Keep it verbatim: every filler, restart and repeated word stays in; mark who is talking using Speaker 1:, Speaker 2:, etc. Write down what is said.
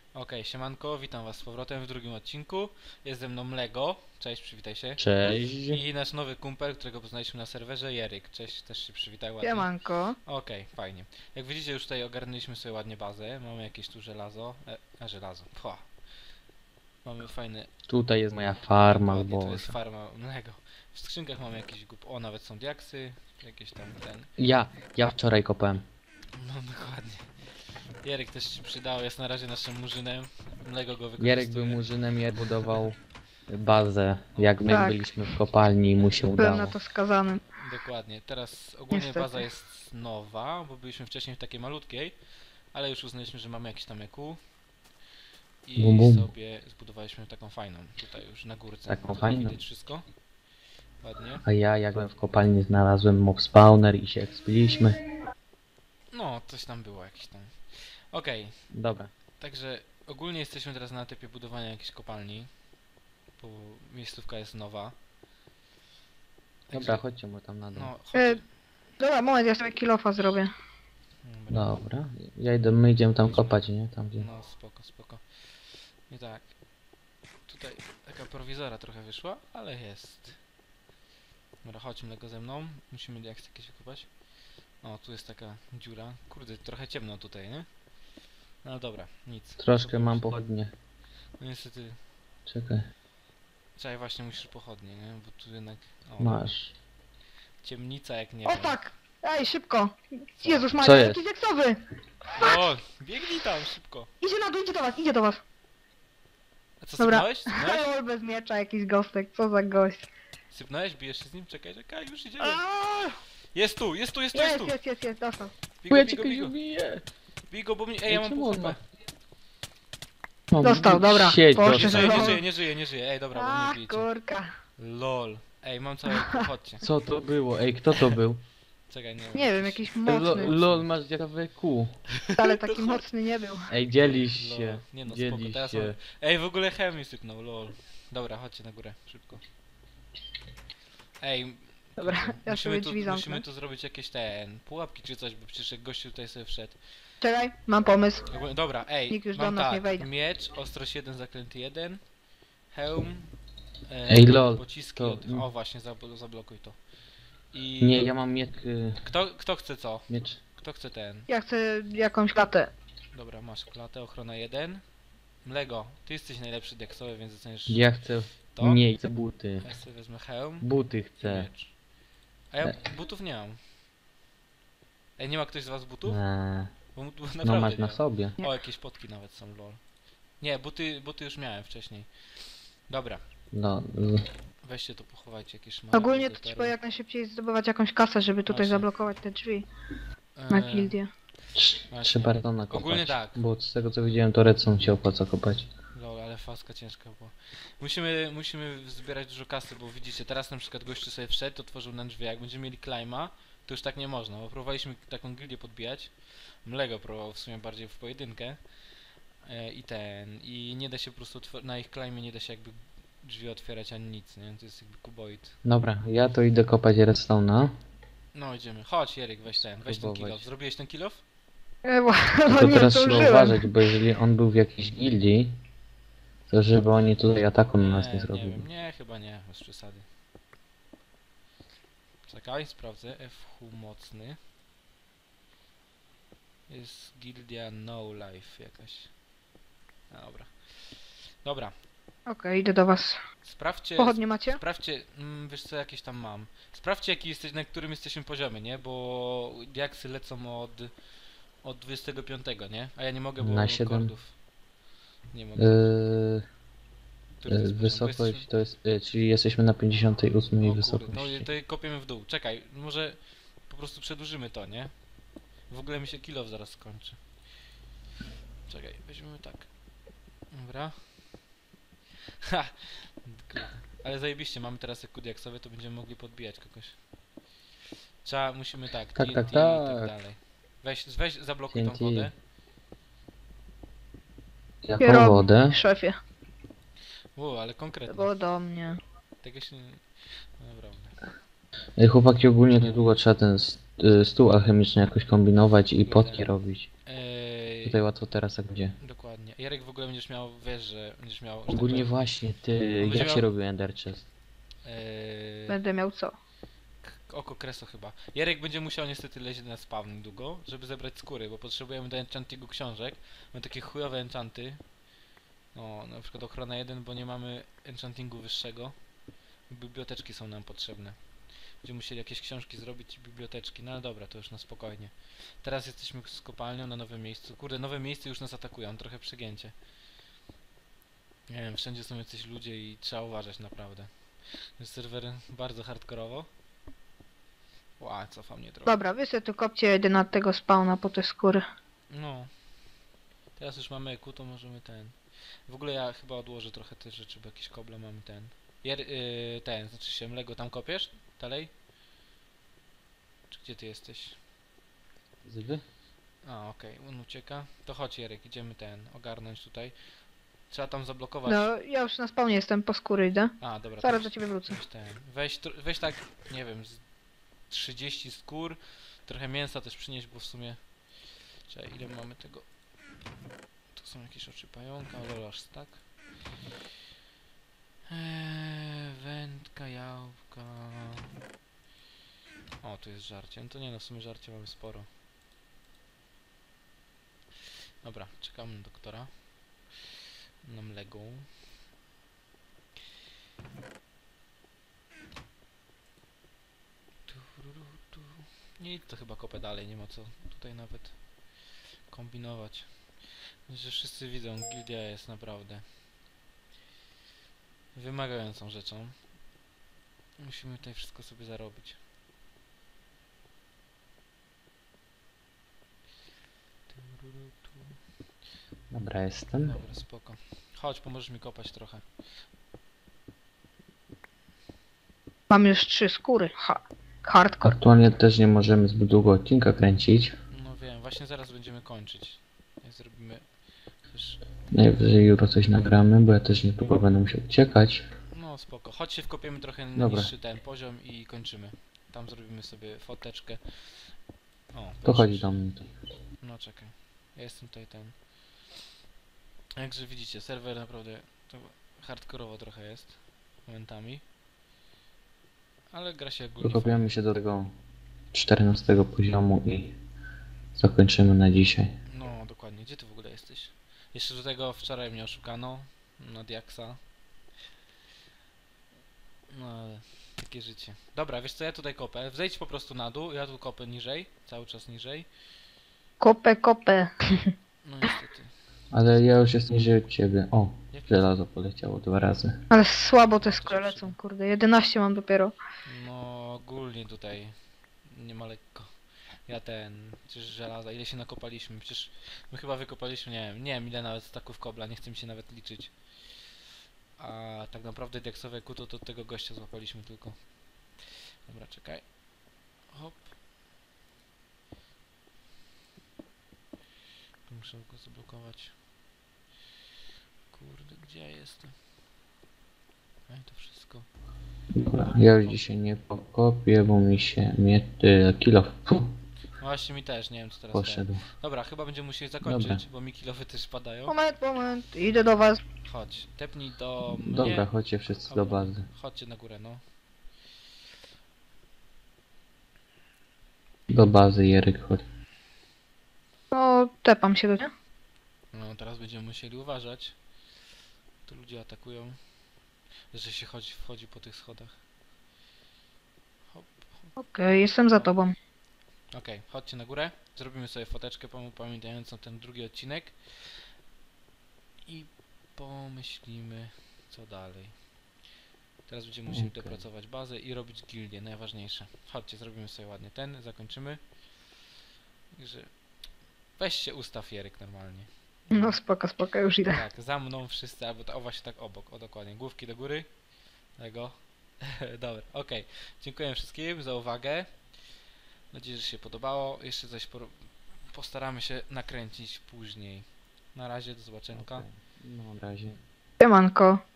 Speaker 1: Okej, siemanko, witam was z powrotem w drugim odcinku. Jest ze mną Lego, cześć, przywitaj się.
Speaker 2: Cześć.
Speaker 1: I nasz nowy kumpel, którego poznaliśmy na serwerze, Jeryk, cześć, też się przywitaj ładnie.
Speaker 3: Siemanko.
Speaker 1: Okej, fajnie. Jak widzicie, już tutaj ogarnęliśmy sobie ładnie bazę, mamy jakieś tu żelazo, e, a żelazo, pła. Mamy fajne,
Speaker 2: Tutaj jest moja farma,
Speaker 1: ładnie, to jest
Speaker 2: Boże.
Speaker 1: farma Lego. W skrzynkach mamy jakieś gup, o, nawet są diaksy, jakieś tam ten,
Speaker 2: Ja, ja wczoraj kopałem.
Speaker 1: no dokładnie. Jeryk też się przydał, jest na razie naszym murzynem, Lego go wykorzystuje.
Speaker 2: Jarek był murzynem i budował bazę. Jak my
Speaker 3: Tak.
Speaker 2: byliśmy w kopalni i mu się
Speaker 3: Byłem
Speaker 2: udało.
Speaker 3: na to skazany.
Speaker 1: Dokładnie, teraz ogólnie
Speaker 3: Niestety.
Speaker 1: baza jest nowa, bo byliśmy wcześniej w takiej malutkiej, ale już uznaliśmy, że mamy jakiś tam E Q i
Speaker 2: Bum, bum.
Speaker 1: sobie zbudowaliśmy taką fajną, tutaj już na górce.
Speaker 2: Taką
Speaker 1: Tutaj
Speaker 2: fajną?
Speaker 1: widać wszystko. Ładnie.
Speaker 2: A ja, jak byłem w kopalni, znalazłem mob spawner i się ekspiliśmy.
Speaker 1: No, coś tam było jakieś tam. Okej,
Speaker 2: Dobra.
Speaker 1: także ogólnie jesteśmy teraz na etapie budowania jakiejś kopalni, bo miejscówka jest nowa.
Speaker 2: Dobra, chodźcie mu tam na dół.
Speaker 1: No,
Speaker 3: E,
Speaker 1: chodź.
Speaker 3: dobra, moment, ja sobie kilofa zrobię.
Speaker 1: Dobra.
Speaker 2: Dobra. Ja idę, my idziemy tam kopać, nie? Tam gdzie...
Speaker 1: No spoko, spoko. I tak. Tutaj taka prowizora trochę wyszła, ale jest. Dobra, chodźmy Lego ze mną. Musimy jak jakieś wykopać. O, tu jest taka dziura. Kurde, trochę ciemno tutaj, nie? No dobra, nic.
Speaker 2: Troszkę mam
Speaker 1: Kopać.
Speaker 2: pochodnie.
Speaker 1: No niestety.
Speaker 2: Czekaj.
Speaker 1: Czekaj, właśnie musisz pochodnie, nie? Bo tu jednak... O,
Speaker 2: Masz.
Speaker 1: ciemnica jak nie
Speaker 3: O
Speaker 1: wiem.
Speaker 3: tak! Ej, szybko!
Speaker 1: Co?
Speaker 3: Jezus
Speaker 2: Co
Speaker 3: Maria,
Speaker 2: jest?
Speaker 3: jakiś deksowy!
Speaker 1: O, biegnij tam szybko.
Speaker 3: Idzie na dół, idzie do was, idzie do was.
Speaker 1: A co,
Speaker 3: Dobra.
Speaker 1: sypnąłeś? Sypnąłeś?
Speaker 3: Hajol bez miecza, jakiś gostek, co za gość.
Speaker 1: Sypnąłeś? Bijesz się z nim? Czekaj, czekaj, już idziemy.
Speaker 3: Aaaa!
Speaker 1: Jest tu, jest tu, jest tu, jest
Speaker 3: Jest,
Speaker 1: tu.
Speaker 3: jest, jest, jest, dostał.
Speaker 1: Bigo,
Speaker 2: Ja
Speaker 1: bigo,
Speaker 2: cię
Speaker 1: bigo.
Speaker 2: biję.
Speaker 1: Bigo, bo mnie... Ej, ja mam
Speaker 2: czemu
Speaker 1: pół
Speaker 2: on ma-
Speaker 1: HP.
Speaker 2: No,
Speaker 3: Dostał, dobra.
Speaker 2: Siedź,
Speaker 3: Poszedł.
Speaker 1: Nie
Speaker 2: dostał.
Speaker 1: żyje, nie
Speaker 3: Lol.
Speaker 1: żyje, nie żyje, nie żyje. Ej, dobra, bo
Speaker 3: A,
Speaker 1: mnie bijcie.
Speaker 3: kurka.
Speaker 1: Lol. Ej, mam całe... Chodźcie.
Speaker 2: Co to było? Ej, kto to był?
Speaker 1: Czekaj, nie wiem.
Speaker 3: Nie wiem, jakiś
Speaker 2: Lo,
Speaker 3: mocny.
Speaker 2: lol, masz ciekawe kół.
Speaker 3: Ale taki mocny nie był.
Speaker 2: Ej, dzielisz
Speaker 1: Lol.
Speaker 2: się.
Speaker 1: Nie no, spoko,
Speaker 2: Dzielisz
Speaker 1: teraz
Speaker 2: się.
Speaker 1: mam... Ej, w ogóle chemii sypnął, lol. Dobra, chodźcie na górę, szybko. Ej,
Speaker 3: Dobra,
Speaker 1: kurde,
Speaker 3: ja
Speaker 1: musimy
Speaker 3: sobie
Speaker 1: tu,
Speaker 3: drzwi zamknę.
Speaker 1: musimy tu zrobić jakieś ten... pułapki czy coś, bo przecież jak gościu tutaj sobie wszedł.
Speaker 3: Czekaj, mam pomysł.
Speaker 1: Ogólnie- Dobra, ej,
Speaker 3: Nikt już do
Speaker 1: mam
Speaker 3: nas
Speaker 1: tak,
Speaker 3: nie wejdzie.
Speaker 1: miecz, ostrość jeden, zaklęty jeden, hełm, e,
Speaker 2: Ej, lol,
Speaker 1: pociski,
Speaker 2: to-
Speaker 1: od... o właśnie, zabl zablokuj to. I...
Speaker 2: Nie, ja mam miecz... y,
Speaker 1: Kto, kto chce co?
Speaker 2: miecz...
Speaker 1: Kto chce ten?
Speaker 3: Ja chcę jakąś klatę.
Speaker 1: Dobra, masz klatę, ochrona jeden. Mlego, ty jesteś najlepszy deksowy, więc docenisz
Speaker 2: Ja chcę...
Speaker 1: to.
Speaker 2: Nie, chcę buty.
Speaker 1: Ja sobie wezmę hełm
Speaker 2: Buty
Speaker 1: i
Speaker 2: chcę.
Speaker 1: miecz. A ja butów nie mam. Ej, nie ma ktoś z was butów?
Speaker 2: Eee,
Speaker 1: Bo, bo
Speaker 2: no
Speaker 1: naprawdę
Speaker 2: masz
Speaker 1: nie
Speaker 2: na
Speaker 1: mam.
Speaker 2: sobie.
Speaker 1: O, jakieś potki nawet są, lol. Nie, buty, buty już miałem wcześniej. Dobra,
Speaker 2: No, z-
Speaker 1: weźcie to, pochowajcie jakieś szmaragdy,
Speaker 3: Ogólnie to
Speaker 1: perły.
Speaker 3: trzeba jak najszybciej zdobywać jakąś kasę, żeby tutaj
Speaker 1: Właśnie.
Speaker 3: zablokować te drzwi na
Speaker 1: Eee,
Speaker 3: gildię.
Speaker 2: trz-
Speaker 1: Właśnie.
Speaker 2: trzeba redstone kopać.
Speaker 1: Ogólnie tak.
Speaker 2: Bo z tego co widziałem, to redstone się opłaca kopać.
Speaker 1: Lol, ale faska ciężka była. Musimy, musimy zbierać dużo kasy, bo widzicie, teraz na przykład gościu sobie wszedł, otworzył nam drzwi, jak będziemy mieli climba, to już tak nie można, bo próbowaliśmy taką gildię podbijać. Mlego próbował w sumie bardziej w pojedynkę. E, I ten, i nie da się po prostu, otw- na ich climbie nie da się jakby drzwi otwierać ani nic, nie? To jest jakby kuboid.
Speaker 2: Dobra, ja to idę kopać redstone'a.
Speaker 1: No idziemy, chodź Jeryk, weź ten, weź ten
Speaker 2: Spróbować.
Speaker 1: kill off. Zrobiłeś ten kill off?
Speaker 3: E, bo,
Speaker 2: Tylko
Speaker 3: bo nie
Speaker 2: teraz trzeba
Speaker 3: zdążyłem.
Speaker 2: uważać, bo jeżeli on był w jakiejś gildii, to żeby oni tutaj ataku na nas nie
Speaker 1: nie
Speaker 2: zrobili.
Speaker 1: wiem, nie, chyba nie, bez przesady. Czekaj, sprawdzę, F H mocny. Jest gildia No Life jakaś. A, dobra. Dobra,
Speaker 3: Okej, idę do was.
Speaker 1: sprawdźcie,
Speaker 3: Pochodnie macie?
Speaker 1: sprawdźcie, mm, wiesz co, jakieś tam mam. Sprawdźcie jaki jesteś, na którym jesteśmy poziomie, nie? Bo diaksy lecą od, od dwudziestego piątego, nie? A ja nie mogę, bo
Speaker 2: Na
Speaker 1: mam
Speaker 2: siedem.
Speaker 1: kordów. Nie mogę.
Speaker 2: Yy,
Speaker 1: Który to
Speaker 2: yy,
Speaker 1: jest poziom? Bo
Speaker 2: wysokość
Speaker 1: jesteśmy-
Speaker 2: to jest, yy, czyli jesteśmy na pięćdziesiątej ósmej
Speaker 1: O kurde,
Speaker 2: wysokości.
Speaker 1: no i to kopiemy w dół. Czekaj, może po prostu przedłużymy to, nie? W ogóle mi się kill off zaraz skończy. Czekaj, weźmiemy tak. Dobra. Ha! Kurde. Ale zajebiście, mamy teraz jak kudiaksowe, to będziemy mogli podbijać kogoś. Trzeba, musimy tak,
Speaker 2: Tak,
Speaker 1: T N T
Speaker 2: tak,
Speaker 1: i tak
Speaker 2: tak.
Speaker 1: dalej. Weź, weź zablokuj tą
Speaker 2: T N T.
Speaker 1: wodę.
Speaker 2: Jaką
Speaker 3: Kierow-
Speaker 2: wodę?
Speaker 3: Szefie,
Speaker 1: U, ale
Speaker 3: to
Speaker 1: konkretnie.
Speaker 3: było do mnie.
Speaker 1: Tego się nie... Naprawdę.
Speaker 2: Ej, chłopaki, ogólnie niedługo trzeba ten s- yy, stół alchemiczny jakoś kombinować i
Speaker 1: Kurde.
Speaker 2: potki robić.
Speaker 1: Ej,
Speaker 2: Tutaj łatwo teraz jak gdzie.
Speaker 1: dokładnie. spokojnie. Jarek w ogóle będziesz miał, wiesz, że będziesz miał... że tak
Speaker 2: Ogólnie
Speaker 1: powiem,
Speaker 2: właśnie, ty,
Speaker 1: będzie
Speaker 2: jak
Speaker 1: miał-
Speaker 2: się robił Ender Chest?
Speaker 1: Yy,
Speaker 3: Będę miał co?
Speaker 1: k- oko kreso chyba. Jarek będzie musiał niestety lecieć na spawn długo, żeby zebrać skóry, bo potrzebujemy do enchantingu książek. Mamy takie chujowe enchanty. No, na przykład ochrona jeden, bo nie mamy enchantingu wyższego. Biblioteczki są nam potrzebne. Będziemy musieli jakieś książki zrobić i biblioteczki. No ale dobra, to już na spokojnie. Teraz jesteśmy z kopalnią na nowym miejscu. Kurde, nowe miejsce już nas atakują, trochę przegięcie. Nie wiem, wszędzie są jacyś ludzie i trzeba uważać naprawdę. Jest serwer bardzo hardkorowo. Ła, cofa mnie trochę.
Speaker 3: Dobra, wy se tu kopcie jeden na tego spawna po te skóry.
Speaker 1: No. Teraz już mamy E Q, to możemy ten. W ogóle ja chyba odłożę trochę te rzeczy, bo jakieś koble mamy ten. Jer, yy, ten, znaczy się Mlego, tam kopiesz? Dalej? Czy gdzie ty jesteś?
Speaker 2: Zwy?
Speaker 1: A, okej, on ucieka. To chodź Jarek, idziemy ten, ogarnąć tutaj. Trzeba tam zablokować.
Speaker 3: No, ja już na spawnie jestem, po skóry idę.
Speaker 1: A, dobra,
Speaker 3: Zaraz
Speaker 1: to
Speaker 3: do ciebie wrócę.
Speaker 1: weź ten. Weź, tr- weź tak, nie wiem, z trzydzieści skór. Trochę mięsa też przynieść, bo w sumie... Czekaj, ile mamy tego? Tu są jakieś oczy pająka, ale aż tak. Eee, wędka, jałka. O, tu jest żarcie. No to nie no, w sumie żarcie mamy sporo. Dobra, czekamy na doktora. Na Mlego. Tururu, tu. Nie, to chyba kopę dalej, nie ma co tutaj nawet kombinować. Że wszyscy widzą, gildia jest naprawdę wymagającą rzeczą. Musimy tutaj wszystko sobie zarobić. Tururu, tu.
Speaker 2: Dobra, jestem.
Speaker 1: Dobra, spoko. Chodź, pomożesz mi kopać trochę.
Speaker 3: Mam już trzy skóry. Ha. Hardcore.
Speaker 2: Aktualnie też nie możemy zbyt długo odcinka kręcić.
Speaker 1: No wiem, właśnie zaraz będziemy kończyć. Jak zrobimy... Też...
Speaker 2: Najwyżej jutro coś nagramy, bo ja też niedługo będę musiał uciekać.
Speaker 1: No spoko. Chodź się wkopiemy trochę na
Speaker 2: Dobra.
Speaker 1: niższy ten poziom i kończymy. Tam zrobimy sobie foteczkę. O,
Speaker 2: To
Speaker 1: proszę.
Speaker 2: chodzi do mnie.
Speaker 1: No czekaj. Ja jestem tutaj ten. Jakże widzicie, serwer naprawdę to hardkorowo trochę jest. Momentami. Ale gra się ogólnie fajnie.
Speaker 2: Dokopiamy się do tego czternastego poziomu i zakończymy na dzisiaj.
Speaker 1: No dokładnie. Gdzie ty w ogóle jesteś? Jeszcze do tego wczoraj mnie oszukano. Na Diaksa. No ale takie życie. Dobra, wiesz co, ja tutaj kopę. Zejdź po prostu na dół, ja tu kopę niżej. Cały czas niżej.
Speaker 3: Kopę, kopę.
Speaker 1: No niestety.
Speaker 2: Ale ja już jestem niżej od ciebie. O,
Speaker 1: Jak
Speaker 2: żelazo poleciało dwa razy.
Speaker 3: Ale słabo te skóry lecą, kurde. jedenaście mam dopiero.
Speaker 1: No ogólnie tutaj nie ma lekko. Ja ten, przecież żelaza, ile się nakopaliśmy, przecież my chyba wykopaliśmy, nie wiem, nie wiem ile nawet staków kobla, nie chcę mi się nawet liczyć. A tak naprawdę diaksowe kuto to od tego gościa złapaliśmy tylko. Dobra, czekaj. Hop. Muszę go zablokować. Kurde, gdzie ja jestem? Ej, to wszystko.
Speaker 2: Dobra, ja już dzisiaj nie pokopię, bo mi się mnie y, kilo
Speaker 1: No właśnie mi też, nie wiem co teraz ten.
Speaker 2: poszedł.
Speaker 1: Dobra, chyba będziemy musieli zakończyć,
Speaker 2: Dobra.
Speaker 1: bo mi kilowy też padają.
Speaker 3: Moment, moment. Idę do was.
Speaker 1: Chodź, tepnij do mnie.
Speaker 2: Dobra, chodźcie wszyscy do bazy.
Speaker 1: Chodźcie na górę, no.
Speaker 2: Do bazy, Jeryk, chodź.
Speaker 3: No, tepam się do ciebie.
Speaker 1: No, teraz będziemy musieli uważać. Tu ludzie atakują. Że się chodzi, wchodzi po tych schodach. Hop.
Speaker 3: Okej, jestem za tobą.
Speaker 1: Okej, chodźcie na górę. Zrobimy sobie foteczkę pam- pamiętającą ten drugi odcinek. I pomyślimy, co dalej. Teraz będziemy musieli
Speaker 2: Okej.
Speaker 1: dopracować bazę i robić gildię, najważniejsze. Chodźcie, zrobimy sobie ładnie ten, zakończymy. Także weź się ustaw, Jeryk, normalnie.
Speaker 3: No spoko, spoko, już idę.
Speaker 1: Tak, za mną wszyscy, albo ta, o właśnie tak obok, o dokładnie, główki do góry. Tego. Dobra, okej. Dziękuję wszystkim za uwagę. Mam nadzieję, że się podobało. Jeszcze coś por- postaramy się nakręcić później. Na razie, do zobaczenia.
Speaker 2: No, na razie.
Speaker 3: Siemanko.